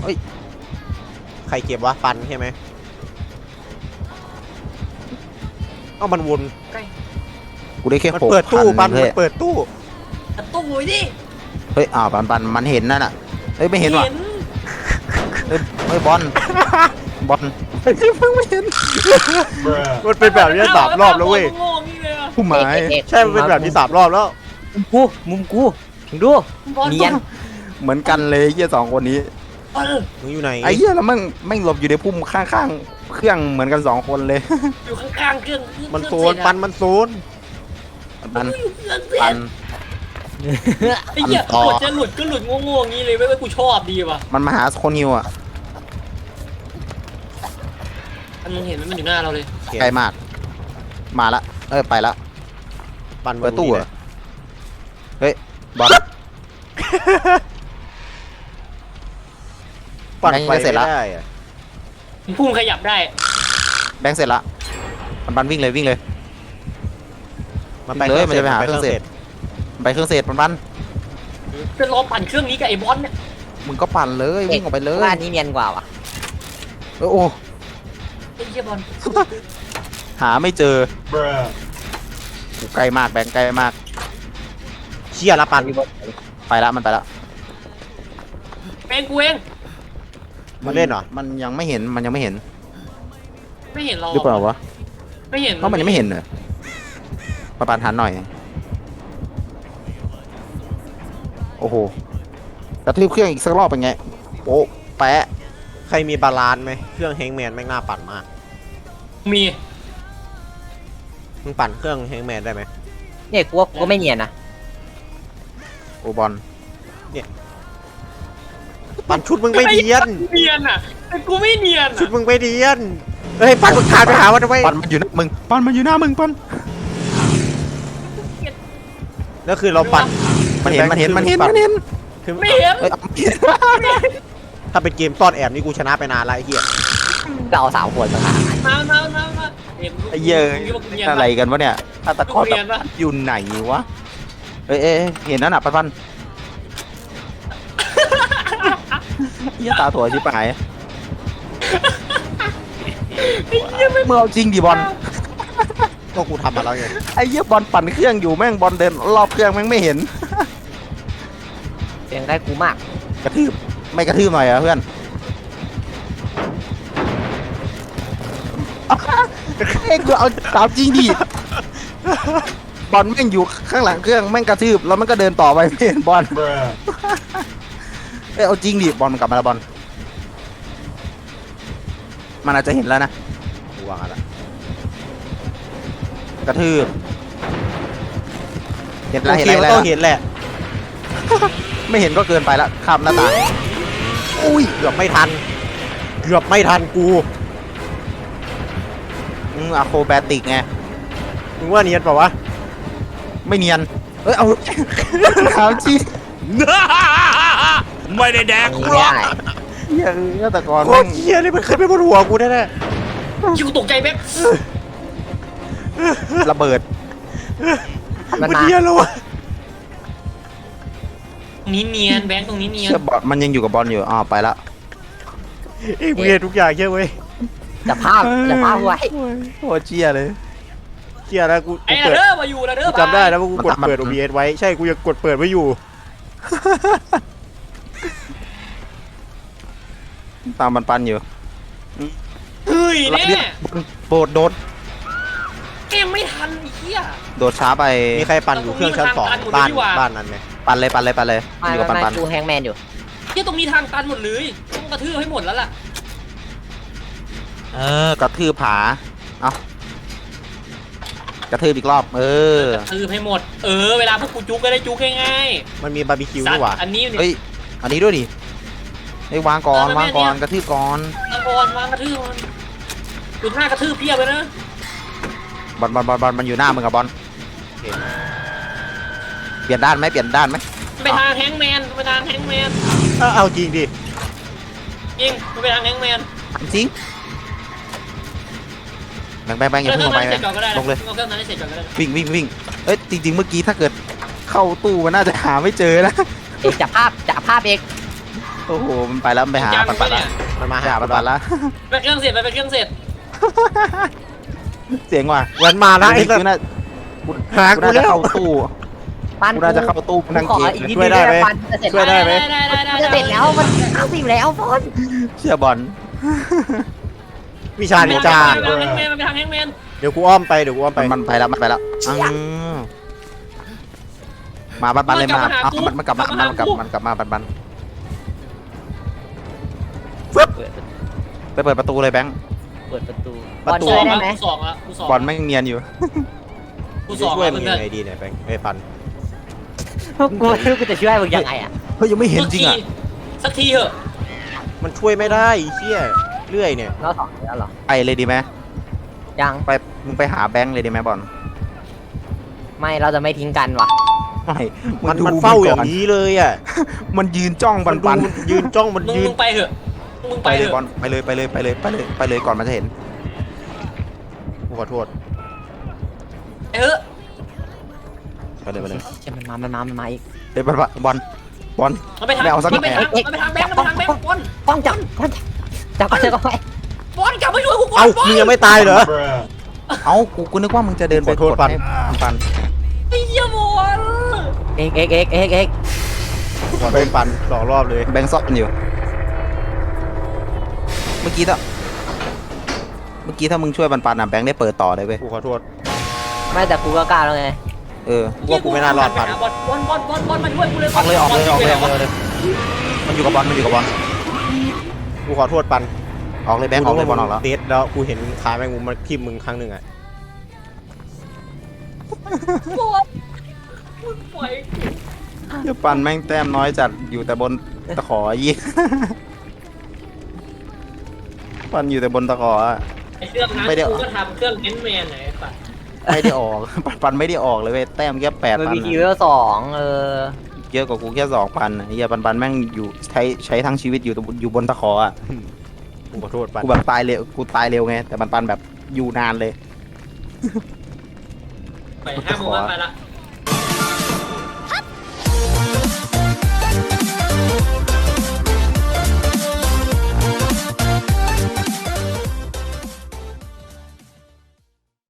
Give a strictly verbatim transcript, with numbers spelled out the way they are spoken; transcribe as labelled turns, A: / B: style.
A: เฮ้ยใครเก็บวะปันใช่ไหมเอ้ามันวน
B: กูได้แค่หก
A: เปิดตู้ปัน
B: เฮ้
A: มั
B: ย
A: นเปิดตู้
C: ตู้หมุยดิ
B: เฮ้ยอ้าวปันปันมันเห็นนั่นน่ะเฮ้ยไม่เห็นว่ะเฮ้ยเฮ้ยบอลบอลเฮ้ยเพิ่งไม่เห็น
A: มันเป็นแบบนี้สามรอบแล้วเว้ย
B: ผู้หมาย
A: ใช่มันเป็นแบบนี้สามรอบแล้ว
D: มุมกูมุมกูถึงดูเนียน
B: เหมือนกันเลยเหี้ยสองคนนี้
A: มึงอยู่ไหน
B: ไอ้เหี้ยแล้วแม่งแม่งหลบอยู่ในพุ่มข้างๆเครื่องเหมือนกันสองคนเลย
C: อยู่ข้างๆเครื่อง
A: มันโซนปันมันโซน
B: ปัน
C: อยู่เครื่องเส
B: ปั
C: ร็
B: น
C: จไอ้เหี้ย
B: ต่อ
C: กดจะหลุดก็หลุดโง่ๆงี้เลยไม่ไม่กูชอบดีว่ะ
B: มันมาหาคนฮิวอ่ะ
C: อันมึงเห็นมันมันอยู่หน้าเราเลย
B: ไกลมากมาละเอ้ยไปละ
A: ปัน
B: เปิดตู้
A: เหร
B: อ่ะเฮ้ยบอล
A: ปั่น
B: แบงค์
A: ไฟ
B: จะเสร็จละ
A: ไม่ได้อะ
C: พุ่งขยับได้
B: แบงค์เสร็จละปันปันวิ่งเลยวิ่งเลย
A: มันไป
B: เลยมันจะไปหา
A: เค
B: เครื่
A: รื่อ
B: อง ง
A: เส
B: เสร็
A: ร็จ
B: จ ไปเครื่องเศษปันปัน
C: จะรอปั่นเครื่องนี้กับไอ้บอลเนี่ย
B: มึงก็ปั่นเลยวิ่งออกไปเลย
D: ว่านี้เนียนกว่าว่ะ
B: เออโอ้
C: ไอ้เหี้ยบอล
B: หาไม่เจอกูไกลมากแบงค์ไกลมาก
A: เชี่ยละปัน
B: ไปละมันไปละ
C: เป็นกูเอง
A: มันเล่นเหรอ
B: มันยังไม่เห็นมันยังไม่เห็น
C: ไม่เห็นเรา
B: หรือเปล่าวะ
C: ไม่เห็น
B: เพราะมันยังไม่เห็นเลยมาปานทันหน่อยโอ้โหกระทืบเครื่องอีกสักรอบเป็นไงโป๊ะแปะ
A: ใครมีบาลานซ์ไหมเครื่องแฮงแมนแม่งน่าปั่นมาก
C: มี
A: มึงปั่นเครื่องแฮงแมนได้ไหม
D: เนี่ยกูว่ากูไม่เนียนนะ
B: โอบอล
A: ปั่นชุดมึงไม่เดียน
C: เนียนอ่ะแต่กูไม่เนียน
A: ชุด
C: อ่ะ
A: มึงไม่เดียนเฮ้ยปั่นมึงขาดไปหามันทำไม
B: ปันมันอยู่หน้ามึงปันมันอยู่หน้ามึงปัน
A: แล้วคือเราปั่น
B: มันเห็นมันเห็นมันเห็นมันเห็น
A: คือ
C: ไม่เห็น
B: เอ้ยเอาเห็น
A: ถ้าเป็นเกมซ่อนแอบนี่กูชนะไปนานแล้วไอ้เหี้ย
D: เราเอาสาวขวดมาหา
C: มามามามาเห็น
B: ไอ้เหี้ย
C: มึงคิดว่ากูเนียน
B: อะไร
C: ปะ
B: กันวะเนี่ยถ้าตะกร้อ
C: กูเรียนปะ
B: อยู่ไหนวะเอ้ยเอ้ยเอ้ยเห็นนั่นน่ะปันปันเหี้ยตาถั่วชิบหายเมื่อเอาจริงดิบอล
A: ก็กูทำมาแล้วไง
B: ไอ้เหี้ยบอลปั่นเครื่องอยู่แม่งบอลเดินรอบเครื่องแม่งไม่เห็น
D: เสียงได้กูมาก
B: กระทืบไม่กระทืบหน่อยเหรอะเพื่อนเอ้ยกูเอาตามจริงดิบอลแม่งอยู่ข้างหลังเครื่องแม่งกระทืบแล้วมันก็เดินต่อไปไม่เห็นบอลเอ้ยเอาจริงดิบอลมันกลับมาแล้วบอลมันอาจจะเห็นแล้วนะ
A: กูวางอะไร
B: กระทืบเห็น
A: โอ
B: แล้ว
A: เค
B: เห็น
A: มัน
B: แล้ว
A: ต้องเห็นแหละ
B: ไม่เห็นก็เกินไปละข้ามหน้าต่าง
A: อุ้ยเกือบไม่ทันเกือบไม่ทันกู
B: อืมอะโครแบติกไง
A: มึงว่าเนียนเปล่าวะ
B: ไม่เนียนเอ้ยเอาถามจริง
A: ไม่ได้แดก
D: อัน
A: กู
D: นี้
A: หร
D: ไม่
A: อก
D: ได้
B: เหี้ยฆาตกร
A: โค
B: แม่
A: ตรง เหี้ยเลยมันขึ้นไปบนหัวกูแน่
C: คิวตกใจแบ๊ก
B: ระเบิด
A: ๆ
D: มัน
A: มัน
D: มา
A: เหี้ยแล้ววะ
C: ตรงนี้เนียนแบงค์ตรงนี้เนียน
B: เชื่อบอลมันยังอยู่กับบอลอยู่อ๋อไปละ
A: ไอ้กูเห็นทุกอย่างเชื่อเว้ย
D: จะภาพจะภาพไว้
B: โคตรเชี่ยเลย
A: เชื่อแล้วกู
C: ไอ้
A: กู
C: ละ
A: เปิด
C: เด้อมาอยู่ละเด้อ
A: กูจำได้แล้วว่ากูกด
B: มัน
A: เปิด
B: มัน
A: โอ บี เอส ไว้ใช่กูยังกดเปิดไว้อยู่
B: ตามมันปันอยู่
C: เฮ้ยแน่
B: โดดโดด
C: เกมไม่ทันไอ้เหี้ย
B: โดดช้าไป
A: มีใครปั่นอยู่เครื่องชั้นสอง
C: ตรงนี้มัน
A: บ้าน
C: ทางตันหมดเลยนี่หว่า
A: บ้านนั้นไหม
B: ปันเลยปันเลยปันเลย
D: ไม่
B: อยู่กับปัน
D: ไม่
B: ปัน
D: กูแฮงแมนอยู่
C: เหี้ยตรงนี้ทางตันหมดเลยต้องกระทืบให้หมดแล้วล่ะ
B: เออกระทืบผาเอากระทืบอีกรอบ เออ
C: กระทืบให้หมดเออเวลาพวกกูจุกก็ได้จุกง่าย
A: มันมีบาร์บีคิว
C: ๆสั
A: ด้
C: ต
A: วยว่ะ
C: ว์อันนี้เนี่ย
B: เฮ้ยอันนี้ด้วยดิเฮ้ยวางก่อนวางก่อนกระทืบก่อน
C: ตะกอนวางกระทืบมันจุดหน้ากระทืบเพียบเลยนะ
B: บอลบอลบอลบอลมันอยู่หน้ามึงกับบอล
A: โอเค
B: เปลี่ยนด้านไหมเปลี่ยนด้านไหม
C: ไปทางแฮงก์แมนไปทางแฮงก์แมน
A: เอาเอาจริงดิ
C: จริงไปทางแฮงก์แมน
B: จริงแบงแบงแบงอย่า
C: เค
B: เพิ่
C: รื่อง
B: งล
C: นั้
B: ง
C: น
B: ไป
C: เสร็จก่อนก็ได้
B: ลงเลย
C: เอาเครื่องนั้นให้เสร็จก่อนก็ได้
B: วิ่งวิ่งวิ่งเอ้ยจริงๆเมื่อกี้ถ้าเกิดเข้าตู้มันน่าจะหาไม่เจอนะ
D: เอกจับภาพจับภาพเอก
B: โอ้โหมันไปแล้วมันไปหา
C: จัง
B: ปัน
C: ไป
B: ปัน
C: เนี่
B: ละ
C: ย
A: มันมา
B: ไป
A: หา
B: หา
A: ปั
B: ปั
A: น
B: น
A: ปั
B: ปั
A: น
B: นละ
C: ไปเครื่องเสร็จไปไปเครื่องเสร็จ
B: เสียงว่ะ
A: มันมาแล้วไอ้สัต
B: กู
A: ว์
B: น่า
A: หา
B: กู
A: กู
B: น่าจะ
A: แล้ว
B: เข้าตู้
D: ปัน
B: กูน่าจะเข้าตู้นั่ง
D: ขอ
B: เกม
D: อีกนิด
A: ช่วยได้ไหม
D: ปันจะเสร็จ
A: ช่วยได้ไหม
C: ได้ได้ได้
D: จะเสร็จแล้วมันเก้าสิบแล้วบอล
B: เชื่อบอล
A: วิชานินจา
C: ไปทางแฮงแมนไปทางแฮงแมน
A: เดี๋ยวกูอ้อมไปเดี๋ยวกูอ้อมไป
B: มันมันไปแล้วมันไปแล้วอ้าวมาปันปันเลยมาเอามันมันกลับมามันกลับมันกลับมาปันปันไปเปิดประตูเลยแบงค์
D: เปิดประตู
B: ประตู
D: บอลช่วยได้ไหม
C: กูสองละกูสอง
B: บอลไม่งเนียนอยู่
C: กู
A: กู
C: สอง
A: ช่วย
C: ละ
A: มึง
C: เพื่
A: ยั
C: อน
A: งไงดีเนี่ยแบงค์ไอ้ปัน
D: กูไม่รู้กูจะช่วยมึงยังไงอ่ะ
B: เฮ้ยยังไม่เห็นจริงอ่ะ
C: สักทีเถอะ
A: มันช่วยไม่ได้ไอ้เหี้ยเรื่อยเนี่ย
D: เราสองแล้วเหรอ
B: ไปเลยดีไหม
D: ยัง
B: ไปมึงไปหาแบงค์เลยดีไหมบอล
D: ไม่เราจะไม่ทิ้งกันว่ะ
B: ไม่
A: มัน
B: ดู
A: มันเฝ้าอย่าง
B: ก่
A: นี้เลยอ่ะ
B: มันยืนจ้องปัน
A: ดู
B: ปัน
A: ยืนจ้องมัน
C: มึง
A: ยืน
C: มึงไปเถอะมึง
B: ไป
C: ไป
B: เล
C: เถ
B: ย
C: อะ
B: บอลไปเลยไปเลยไปเลยไปเลยไปเลยก่อนมันจะเห็น
A: กูขอโทษ
C: ไปเถอะ
B: ไปเลยไปเลย
D: เชื่อมันมามันมามันมาอีก
B: เดี๋ยวบอลบอลบอล
C: มันไปทาง
B: ไม่เอาสัก
C: มันไปทาง
D: เอ๊ะ
C: มันไปทางแบงค์มันไปทางแบงค์บอล
D: ป้องจับป้องจับจับไปจับไป
C: บอลกลับมาช่วยกูก่อน
A: เอ้า
C: บอล
A: มึงยังไม่ตายเหรอ
B: เอ้ากูกูนึกว่ามึงจะเดินไป
A: ขอโทษ
B: กด
A: ปัน
B: ให้ปันปัน
C: ไอ้เหี้ยบอล
D: เอ็กเอ็กเอ็กเอ็กเอ็ก
A: กูขอโทษปันสองรอบเลย
B: แบงค์ซ่อนอยู่ เมื่อกี้ถ้าเมื่อกี้ถ้ามึงช่วยปันปันอ่ะแบงค์ได้เปิดต่อเลยเว้ย
A: กูขอโทษ
D: ไม่แต่กูก็กล้าแล้วไง
B: เออ
A: กูว่ากูไม่น่ารอดปัน
C: บอลบอลบอลบอลบอลมาช่วยกูเลย
B: ออกเลยออกเลยออกเลยออกเลยมันอยู่กับบอลมันอยู่กับบอล
A: กูขอโทษปัน
B: ออกเลยแบงค์ออกเลยบอลออกแล้ว
A: เดทแล้วกูเห็นขาแมงมุมมันทิ่มมึงครั้งหนึ่งอ่ะ
C: บอลมึงปล่อย
B: เดี๋ยวปันแม่งแต้มน้อยจัดอยู่แต่บนตะขอยี่ ปันอยู่แต่บนตะขออะ
C: ไอ้เครื่องนั้น
B: ไม่ได้
C: กูก็ทำเครื่องเน้นแมนไหนป่ะ
B: ไม่ได้ออก ปันปันไม่ได้ออกเลยเว้ยแต้มแค่แปด
D: มัน
B: พัน
D: มีทีเวลสองเออ
B: เยอะกว่ากูแค่สองพันเฮียปันปันแม่งอยู่ใช้ใช้ทั้งชีวิตอยู่อยู่บนตะขออ่ะ
A: กูขอโทษปัน
B: กูแบบตายเร็วกูตายเร็วไงแต่ปันปันแบบอยู่นานเลย
C: ไปห้าโมงแล้วไปละ